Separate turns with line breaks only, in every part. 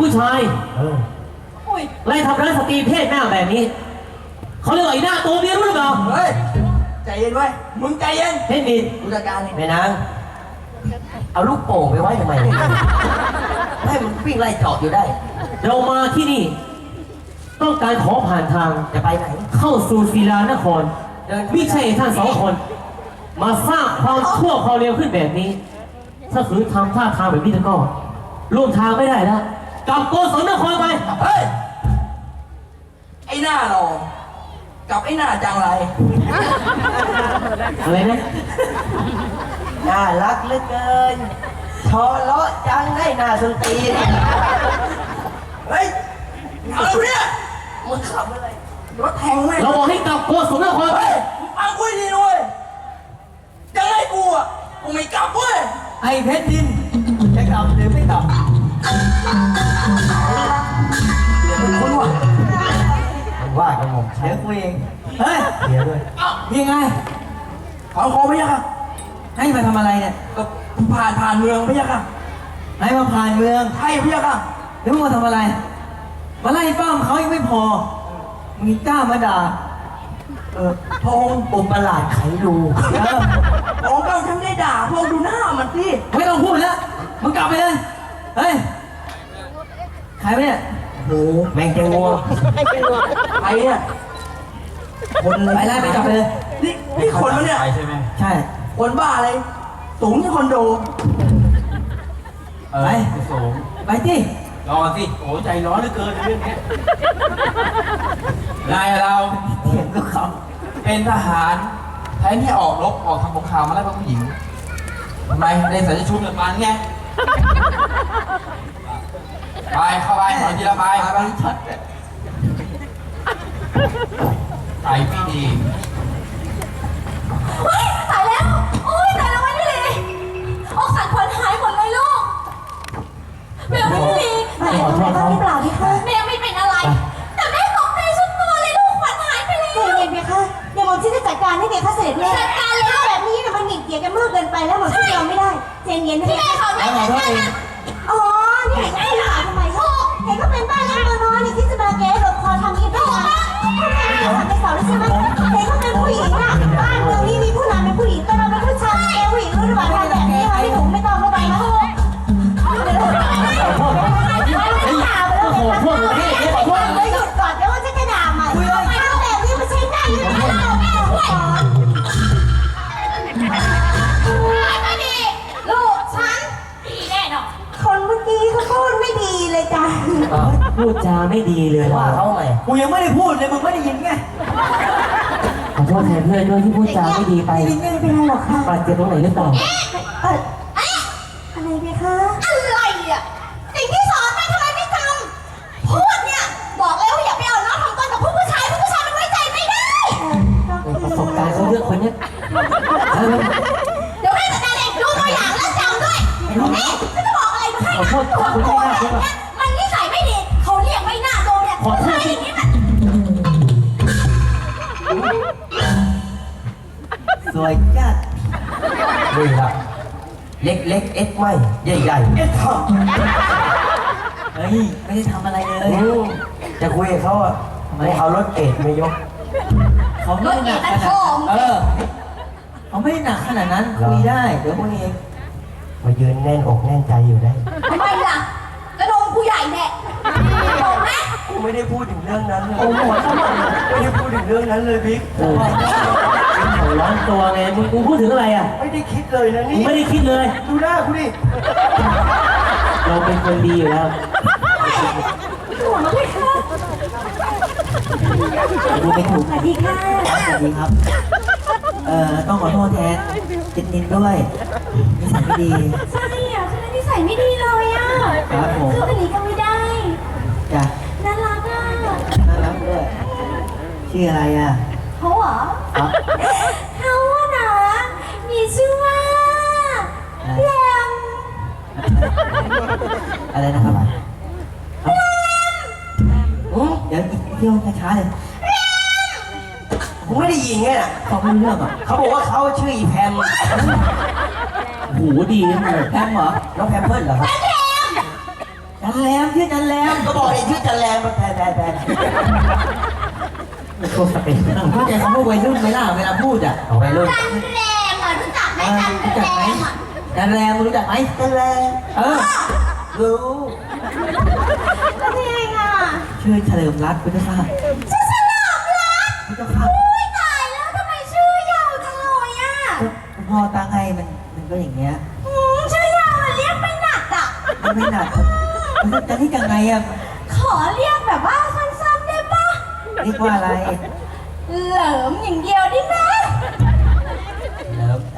ผู้ชายไล่ทำร้ายสตรีเพศหน้าแบบนี้เขาเรียกว่าไอ้หน้าตัวเมียรู้หรือเปล่า
เฮ้ยใจเย็นไว้มึงใจเย็น
เพชรดิน
กูจัดการนี่
แม่นางเอาลูกโป่งไปไว้ทำไมให้มันวิ่งไล่เจาะอยู่ได้
เรามาที่นี่ต้องการขอผ่านทาง
จะไปไหน
เข้าสู่ศิลานครไม่ใช่ท่านสองคนมาสร้างความชั่วความเลวขึ้นแบบนี้ถ้าขืนทำท่าทางแบบนี้แล้วก็ร่วมทางไม่ได้แล้วกลับโกศลนครไป
เฮ้ยไอ้หน้าหล่อกับไอ้หน้าจังไร
อะไรนะ
น่ารักเหลือเกินชอเลาะจังได้หน้าสตรี
เฮ้ยเอาเนี่ยมึงขับอะไรรถแทงไหม
เราบอกให้กลับโกศลนครไป
ฟังกูดีด้วยยังไงกูอ่ะกูไม่กลับเว้ย
ไอ้เพชรดินจะกลับหรือไม่กลับคุณว่ามันว่ากับผมเดี๋ยวคุยเองเฮ้ยเดี๋ยวด้วยยังไง
เขาขอไม่ยาก
ให้มาทำอะไรเนี่ย
ก็ผ่านเมืองไม่ยาก
ให้มาผ่านเมือง
ใช่ไม่ยาก
แล้วมึงมาทำอะไรมาไล่ป้อมเขายังไม่พอมีกล้ามาด่าพงปุ่มประหลาดไขรู
โอ้ก็ฉันได้ด่าพงดูหน้ามันสิ
ไม่ต้องพูดแล้วมึงกลับไปเลยเฮ้ยใครเนี่ยโอ้แมงแกงงัว
ใครเนี่ย
คนเลยไปไล่ไปกลับไปเลย
นี่คนมั้ยเนี่ย
ใช่ไหมใช่
คนบ้าอะไรสูงที่คอนโด
ไปสูงไปที่
รอสิโอ้ใจร้อนเหลือเกินเรื่องนี้
นายเรา
เถียงก็เขา
เป็นทหารแทนที่ออกรบออกทำสงครามมาไล่ผู้หญิงทำไมได้ใส่ชุดแบบมันไงไปเข้าไปหน่อยทีละไปชัดไปไม่ดี
ตายแล้วโอ้ยตายแล้วไม่ดีอกสั่นขวัญหายหมดเลยลูกแมวไม่ดีแม่ขอโทษเขาเปล่าพี่คะแม่ไม่เป็นอะไรแต่แม่ตกใจสุดตัวเลยลูกขวัญหายไปเลย
เย็นๆพี่คะเดี๋ยวหม่อมฉันจะจัดการให้เด็กข้าเสด็จแม่
จัดการเลย
แบบนี้มันหงิกเกียจกันมากเกินไปแล้วหม่อมฉันยอมไม่ได้เย็นๆนะ
พี่แม่ขอโทษ
อ๋อนี่ไอ้หลานทำไมคะเห็นก็เป็นบ้านเล็กตัวน้อยนี่ที่จะมาแก้หลบคอทำนี้ได้ไหมทำในเสาแล้วใช่ไหมเห็นก็เป็นผู้หญิงนะบ้านเมืองนี้มีผู้นำเป็นผู้หญิงแต่เราเป็นผู้ชายผู้หญิงรู้หรือเปล่าทำแบบนี้ไหมที่หนูไม่ต้องเข้าไปนะ
ขอโทษเลยขอโทษ
เลยหยุดก่อนแล้วว่าจะกระด่าใหม่ทำแบบนี้มันใช่ได้ยังไงเราแม่ช่วย
ไม่ดีลูกฉันดีแน่นอน
คนเมื่อกี้เขาพูดไม่ดีเลยจ้ะ
พูดจาไม่ดีเลย
ว่าเขาไงกูยังไม่ได้พูดเลยมึงไม่ได้ยินไง
ขอโทษแทนเพื่อนด้วยที่พูดจาไม่ดีไป
ไม่เป็นไรหรอกค่ะ
บาดเจ็บตรงไหนหรือเปล่า
อะไรไหมคะ
อะไรอ่ะสิ่งที่สอนไปทำไมไม่จำพูดเนี่ยบอกแล้วอย่าไปเอาน้องทำตัวกับผู้ชายมันไว้ใจไม่ได้
ประสบการณ์เขาเยอะคนนี้
เดี๋ยวให้จัดการเองดูตัวอย่างแล้วจำด้วยนี่ฉันจะบอกอะไรมาให้นะตัวเนี่ยมันนิสัยไม่ดีเขาเรียกไม่น่าโดนเนี่ยอะไรอย่างนี้มัน
สวยจัดนี่ครับเล็กเอ็ดไม่ใหญ่เอ็ดทำเฮ้ยไม่ได้ทำอะไรเลยจะคุยกับเขาอ่ะไม่เอารถเกตไม่ยกเขาไม่หนักขนาดเขาไม่หนักขนาดนั้นคุยได้เดี๋ยวพวกนี้เองมายืนแน่นอกแน่นใจอยู่ได้
ทำไมล่ะกระโดงผู้ใหญ่แน่บอกนะ
กูไม่ได้พูดถึงเรื่องนั้นเลยโอ้โหไม่ได้พูดถึงเรื่องนั้นเลยบิ๊ก
ร้อนตัวไงมึงกูพูดถึงอะไรอ่ะ
ไม่ได้คิดเลยนะนี่
ไม่ได้คิดเลย
ดูหน้ากูดิ
เราเป็นคนดีอยู่แล้วดูไม่ถูก
สวัสดีค่ะ
สวัสดีครับต้องขอโทษแทนจิตนินด้วยนิสัยไม่ดี
ใช่อ่ะฉันนิสัยไม่ดีเลยอ่ะ
ครับผม
คืออันนี้ก็ไม่ได้
จ้ะ
น่ารักอ่ะ
น่ารักด้วยชื่ออะไรอ่ะ
เขาเหรอเขาอะนะมีชื่อว่าแรม
อะไรนะครับเดี๋ยวเที่ยวช้าๆเลยผมไม่ได้ยินไงน่ะเขาไม่เรื่องอ่ะเขาบอกว่าเขาชื่ออีแพม
หูดีนะ
แพมเหรอน้องแพมเพิร์ดเหรอครับใช่จันแรมชื่อจันแรมก็บอกเองชื่อจันแรมมาแพ้
โชว์สเปน
เข้าใจคำว่าวัยรุ่นไหมล่ะเวลาพูดอ่ะวัยรุ่น
จันแรมอ่ะรู้จักไหมจันแรมอ่ะ
จันแรมรู้จักไหมจันแรมรู้
แล้วนี่ไงอ่ะ
ชื่อเฉลิมรัตน์พุทธศาสตร์
ชื่อฉลามรัก
พุทธศาสตร์
อุ้ยตายแล้วทำไมชื่อยาวจังเลยอ่ะ
คุณพ่อตั้งให้มันก็อย่างเงี้ย
ชื่อยาวมันเรียกไม่หนักอ่ะ
มันไม่หนักจะเรียกยังไงอ่ะ
ขอเรียกแบบว่าสั้นๆได้ปะ
เรียกว่าอะไร
เหลิมอย่างเดียวได้ไหม
เหลิม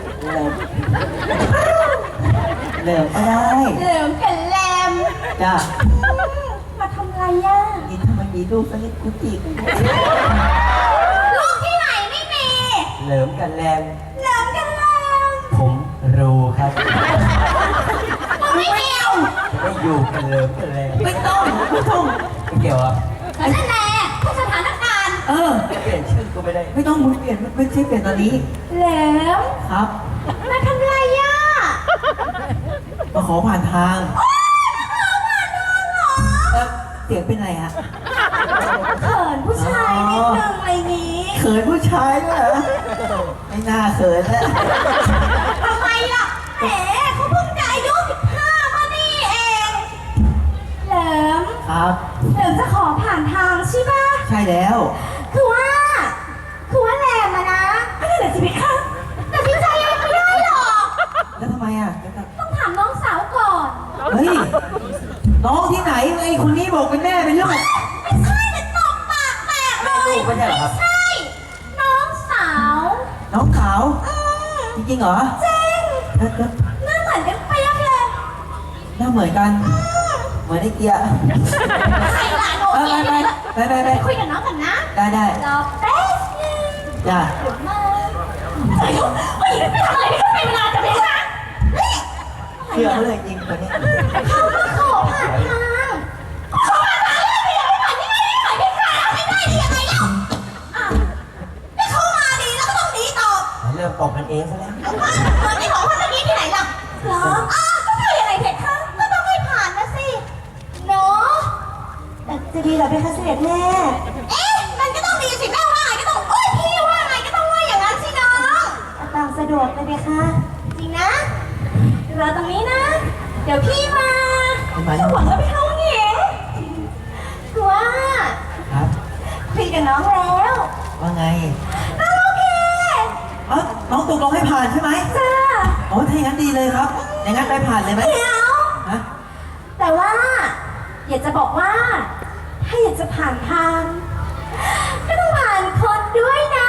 เหลิมก็ได้
เหลิมกับแรม
จ้า
มาทำไรอ่ะ
นี่ถ้ามันมีลูกสักนิดกูจีบ
ลูกที่ไหนไม่มี
เหลิมกับแรม
เหลิมกับแรม
ผมรู้ครับ
มึงไม่เกี่ยว
จะได้อยู่กันเหลิมกับแรมไม่ต้องไม่เกี่ยวอ่ะ
นั่นแหละทุกสถานการณ์
เปลี่ยนชื่อก็ไม่ได้ไม่ต้องมึงเปลี่ยนไม่ใช่เปลี่ยนตอนนี้
เหลิม
ครับ
มาทำไรอ่ะ
มาขอผ่านทาง
โอ๊ยมาขอผ่านทางเหรอ
เสียงเป็นไรฮะ
เขินผู้ชายนิดนึงอะไรนี้
เขินผู้ชายด้วยเหรอไม่น่าเขินแล้ว
ทำไมล่ะแหมเขาเพิ่งจะอายุ15มานี่เองเหลิม
ครับ
เหลิมจะขอผ่านทางใช่ปะ
ใช่แล้ว
คือว่าแรมอะนะไม่ได้เหลือชีวิตค่ะแต่สินใจยังไม่ได้หรอก
แล้วทำไมอ่ะ
ต้องถามน้องสาวก่อน
เฮ้ยน้องที่ไหนไอ้คนนี้บอกเป็นแม่เป็นลูก
ไม่ใช่แต่ตบปากแตกเลย
ลูกไม่ใช่เหรอครับ
ใช่ น้องสาว
น้องขาว
อืม
จริงๆเหรอ
จริง
แล้ว
หน้าเหมือนกันเปียกเลย
หน้าเหมือนกัน เหมือนไอ้เกียร์
ใครหลานโอเค
ไป
คุยกับน้องกันนะ
ได้
รอแป๊บนึง
จ้า
เดี๋ยวมาเฮ้ยไม่ทำอะไรไม่ต้องเป็นเวลาจะไปนะนี่
เชื่อเขาเลยจริงคนนี้
เขามาขอผ่านทางขอผ่านทางแล้วไม่อยากไปผ่านที่ไม่ได้ขายเพชรขายไม่ได้ดียังไงเล่าอ่ะไม่เข้ามาดีแล้วก็ต้องดีต่อ
เริ่มตบกันเองซะแล้ว
เอาว่าเหมือนที่บอกว่าเมื่อกี้ที่ไหนล่ะเหรออ้าวก็คือยังไงเพชรคะก็ต้องให้ผ่านนะสิเนาะ
แต่จะดีเหรอเพคะเสด็จแม่
เอ๊ะมันก็ต้องดีสิแม่ว่าไงก็ต้องพี่ว่าไงก็ต้องว่าอย่างนั้นสิน้อง
ตามสะดวกเลยเพคะ
จริงนะรอตรงนี้นะ เดี๋ยวพี่มา
มา
จะหวังว่าพี่เข้าหญิงคือว่า
ครับ
คุยกับน้องแล้ว
ว่าไง
น้องโอเค
น้องตกลงให้ผ่านใช่ไหม
จ้า
โอ้ถ้าอย่างนั้นดีเลยครับ อย่างนั้นไปผ่านเลยไหม
เดี๋ยว
ฮะ
แต่ว่า อยากจะบอกว่า ถ้าอยากจะผ่านทาง ก็ต้องผ่านคนด้วยนะ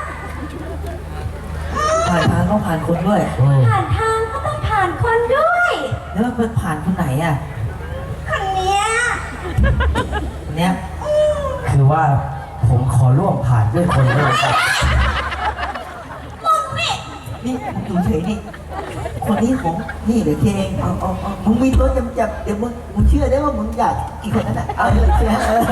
ผ่านทางต้องผ่านคนด้วย
ผ่านทางก็ต้องผ่านคนด้วย
แล้วมันผ่านคนไหนอ่ะ
คนเนี้ย
คนเนี้ยคือว่าผมขอร่วมผ่านด้วยคนด้วยครับ
มึงนี่
นี่ผมอยู่เฉยนี่ คนนี้ผมนี่เดี๋ยวเคเองเอามึงมีตัวจำจับเดี๋ยวมึงเชื่อได้ว่ามึงอยากอีกคนนั้นอ่ะเอาเลยเชื่อ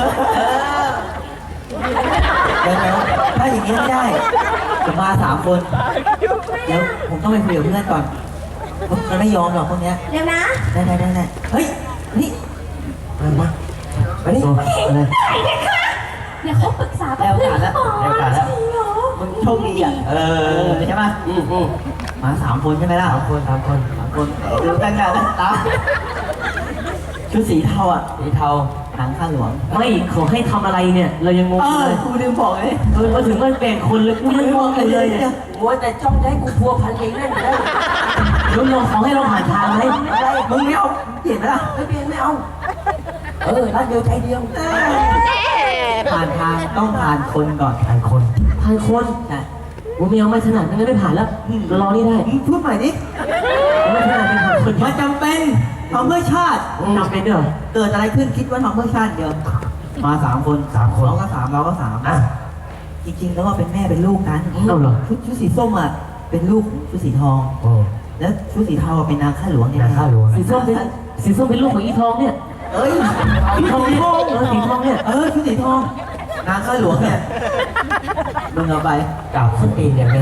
เดี๋ยวถ้าอย่างนี้ไม่ได้ผมมา3 คน เดี๋ยวผมต้องไปคุยกับเพื่อนก่อนมันไม่ยอมหรอกพวกเนี้ย
เดี๋ยวนะ
ได้เฮ้ยนี่มานี่
อะไร
เดี๋ยวเขาปรึกษากับเพื่อนก่อน จริงเหรอ
มึงโชคดีอ่ะใช่ไหมมา3 คนใช่ไหมล่ะ3 คนดูกันกันนะตามชุดสีเทาอ่ะสีเทาหนังข้างหลวง
ไม่ขอให้ทำอะไรเนี่ย เรายังงงอยู่เลย
กูลืมบอกเลย
มาถึงมันแบ่งคนเลยกูยังงงกันเลยเนี่ย
มัวแต่จ้องจะให้กูพัวพันเองนั่นแหละ
เราขอให้เราผ่านทางไหม
อะไรมึงไม่เอาเปลี่ยนไหมล่ะไม่เปลี่ยนไม่เอารักเดียวใจเดียวผ่านทางต้องผ่านคนก่อนผ่านคน
ผ่านคน
ใช่
กูไม่เอาไม่ถนัดงั้นไม่ผ่านแล้วรอนี่ได้
พูดใหม่ดิ
ไม่ถนัดเป็นผ่านคน
มันจำเป็นทำเพื่อชาติ
จำเป็นด้วยเหรอ
เกิดอะไรขึ้นคิดว่าทำเพื่อชาติเดียวมา3 คนเราก็3เราก็3อ่ะจริงๆแล้วว่าเป็นแม่เป็นลูกกัน
เอาเหรอ
ชุดสีส้มอ่ะเป็นลูกของชุดสีทองแล้วชุดสีเทาเป็นนางข้าหลวงเนี่ยนางข้าหลวง
สีส้มเป็นลูกของอีทองเนี่ย
เอ้ย
สีทองเนี่ยสีทองเนี่ย
ชุดสีทองนางข้าหลวงเนี่ยมึงเอาไปกลับขึ้นปีเนี่ยแม่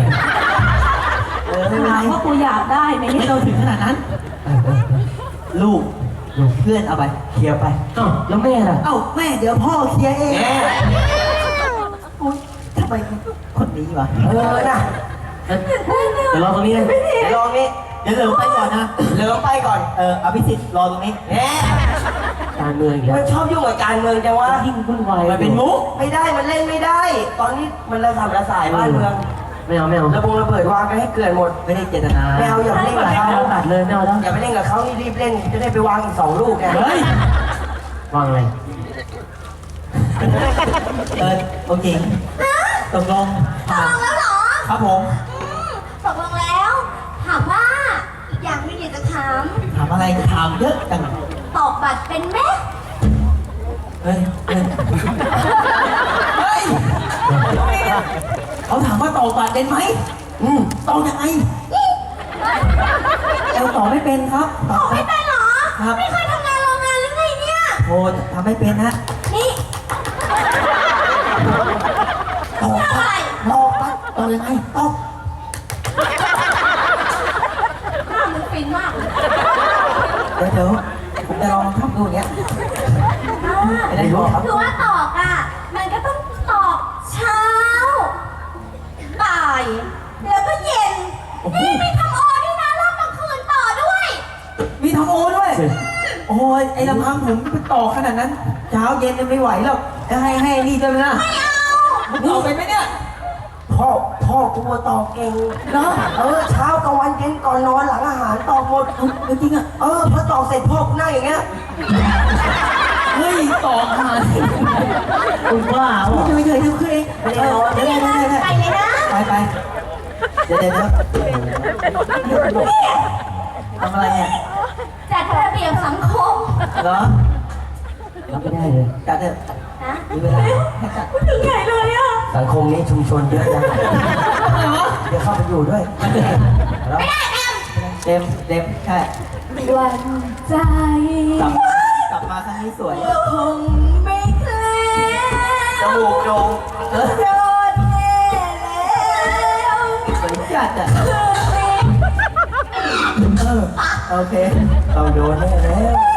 ไม่เป็นไร
ว่ากูอยากได้ไหม
ไม่ต้องถึงขนาดนั้นลูกเพื่อนเอาไปเคลียร์ไป
เอ้าแล้วแม่ล่ะ
เอ้าแม่เดี๋ยวพ่อเคลียร์เองอุ๊ยทำไมคนนี้วะนะ
เดี๋ยวรอตรงนี้เลย
เดี๋ยวรอตรงนี้เดี๋ยวเหลิมไปก่อนนะเหลิมไปก่อนอภิสิทธิ์รอตรงนี้แหม
การเมืองอีกแล้
มั
วน
ชอบยุ่งกับการเมืองจังวะ
ยิ่งวุ่นวาย
มันเป็นมุกไม่ได้มันเล่นไม่ได้ ตอนนี้มันระสำระสายบ้านเมือง
ไม่เอาไม่เอา
ระเบิดวางกันให้เกลื่อนหมดไม่ได้เจตนาไม่เอาอย่าไปเล่นกับเขา
ตัดเลยไม่เอาแล้ว
อย่าไปเล่นกับเขานี่รีบเล่นจะได้ไปวางอีก2 ลูกไง
เฮ้ย วางอะไร
โอเคตกลง
ตกลงแล้วเหรอ
ครับผม
ตกลงแล้ว ถามว่าอีกอย่างหนึงอยากจะถาม
ถามอะไรถามเยอะจัง
ตอกบัตรเป็นไหม
เฮ้ยเขาถามว่าต่อบัตรเป็นไหมต่อยังไงเราต่อไม่เป็นครับ
ตอกไม่เป็นเหรอ
ครับ
ไม่เคยทำงานโรงงานหรือไงเนี่ย
โอ้ทำไม่เป็นฮะ
นี่
ต่อ
ทำอะไร
ต่อบัตรต่อยังไงต่อ
หน้ามึงฟินมากเลย
เดี๋ยวผมจะลองทำดูเนี้ย ไม่ได้บอกครับ
คือว่าตอกอ่ะ มันก็ต้องตอกเช้า บ่าย แล้วก็เย็น นี่มีทำโอด้วยนะรอบกลางคืนต่อด้วย
มีทำโอด้วย โอ้ยไอ้ลำพังผมไปต่อขนาดนั้น เช้าเย็นไม่ไหวหรอกจะให้นี่ด้วยนะ
ไม่เอา
มึงต่อเป็นไหมเนี่ยพ่อกูต่อเก่งเนาะเช้ากลางวันเย็นก่อนนอนหลังอาหารต่อหมดจริงอ่ะพอต่อเสร็จพ่อกูนั่งอย่างเงี้ยเฮ้ยต่ออาหาร
คุณบ้าเปล่า
ไม่เคยทำขึ้นเองไม่ได้นอนไม่ได้
ไปเลยนะ
ไปเดี๋ยวทำอะไรเนี่ย
จัดระเบียบสังคม
เหรอ
รับไม่ได้เลย
จัดเถอะ
นะ
มีเวลาให้จัด
พูดถึงใหญ่เลยอ่ะ
สังคมนี้ชุมชนเยอะจังเดี๋ยวเข้าไปอยู่ด้วย
ไม่ได้แอม
เต็มใช่
วันใจ
กลับมาครั้งนี้สวย
คงไม่เคลิ้ม
จมูกโด่ง
โดนแย่แล้ว
สวยจัดอ่ะ
คือ
โอเคเราโดนแน่แล้ว